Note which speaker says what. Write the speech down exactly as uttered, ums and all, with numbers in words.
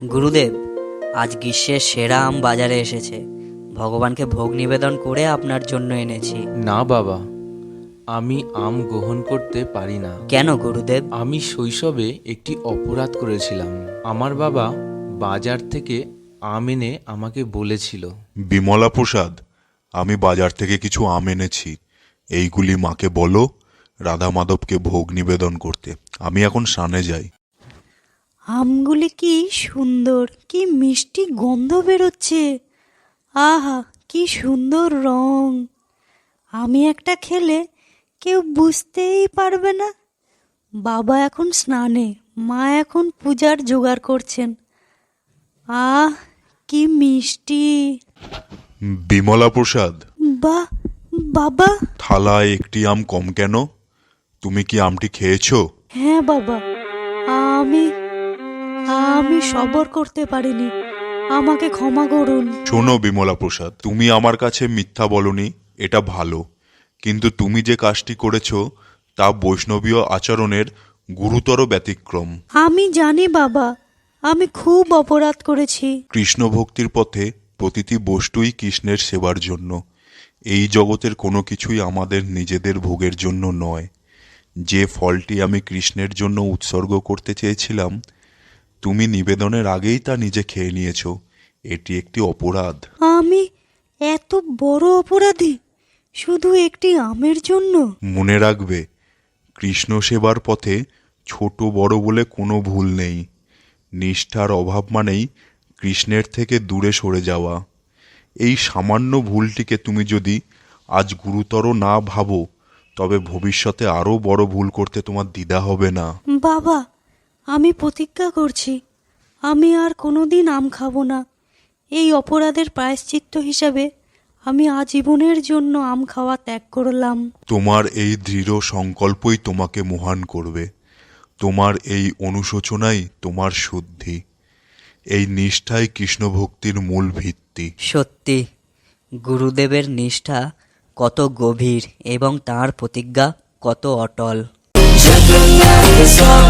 Speaker 1: গুরুদেব, আজ গ্রীষ্মের সেরা আম বাজারে এসেছে। ভগবানকে ভোগ নিবেদন করে আপনার জন্য এনেছি।
Speaker 2: না বাবা, আমি আম গ্রহণ করতে পারি না।
Speaker 1: কেন গুরুদেব?
Speaker 2: আমি শৈশবে একটি অপরাধ করেছিলাম। আমার বাবা বাজার থেকে আম এনে আমাকে বলেছিল।
Speaker 3: বিমলা প্রসাদ, আমি বাজার থেকে কিছু আম এনেছি। এইগুলি মাকে বলো রাধা মাধবকে ভোগ নিবেদন করতে। আমি এখন স্নানে যাই।
Speaker 4: আমগুলি কি সুন্দর, কি মিষ্টি গন্ধ বেরোচ্ছে। আহা, কি সুন্দর রং। আমি একটা খেলে কেউ বুঝতেই পারবে না। বাবা এখন স্নানে, মা এখন পূজার জোগাড় করছেন। আহ, কি মিষ্টি।
Speaker 3: বিমলা প্রসাদ,
Speaker 4: বা বাবা।
Speaker 3: থালায় একটি আম কম কেন? তুমি কি আমটি খেয়েছো?
Speaker 4: হ্যাঁ বাবা, আমি আমি সবর করতে পারিনি, আমাকে ক্ষমা করুন।
Speaker 3: শোনো বিমলা প্রসাদ, তুমি আমার কাছে মিথ্যা বলনি, এটা ভালো। কিন্তু তুমি যে কাজটি করেছো তা বৈষ্ণবীয় আচরণের গুরুতর ব্যতিক্রম।
Speaker 4: আমি জানি বাবা, আমি খুব অপরাধ করেছি।
Speaker 3: কৃষ্ণ ভক্তির পথে প্রতিটি বস্তুই কৃষ্ণের সেবার জন্য। এই জগতের কোনো কিছুই আমাদের নিজেদের ভোগের জন্য নয়। যে ফলটি আমি কৃষ্ণের জন্য উৎসর্গ করতে চেয়েছিলাম, তুমি নিবেদনের আগেই তা নিজে খেয়ে নিয়েছো। এটি একটি অপরাধ।
Speaker 4: আমি এত বড় অপরাধী শুধু একটি আমের জন্য?
Speaker 3: মনে রাখবে, কৃষ্ণ সেবার পথে ছোট বড় বলে কোনো ভুল নেই। নিষ্ঠার অভাব মানেই কৃষ্ণের থেকে দূরে সরে যাওয়া। এই সামান্য ভুলটিকে তুমি যদি আজ গুরুতর না ভাবো, তবে ভবিষ্যতে আরও বড় ভুল করতে তোমার দ্বিধা হবে না।
Speaker 4: বাবা, আমি প্রতিজ্ঞা করছি, আমি আর কোনোদিন আম খাবো না। এই অপরাধের প্রায়শ্চিত্ত হিসাবে আমি আজীবনের জন্য আম খাওয়া ত্যাগ করলাম।
Speaker 3: তোমার এই দৃঢ় সংকল্পই তোমাকে মহান করবে। তোমার এই অনুশোচনাই তোমার শুদ্ধি। এই নিষ্ঠাই কৃষ্ণ ভক্তির মূল ভিত্তি।
Speaker 1: সত্যি, গুরুদেবের নিষ্ঠা কত গভীর এবং তাঁর প্রতিজ্ঞা কত অটল।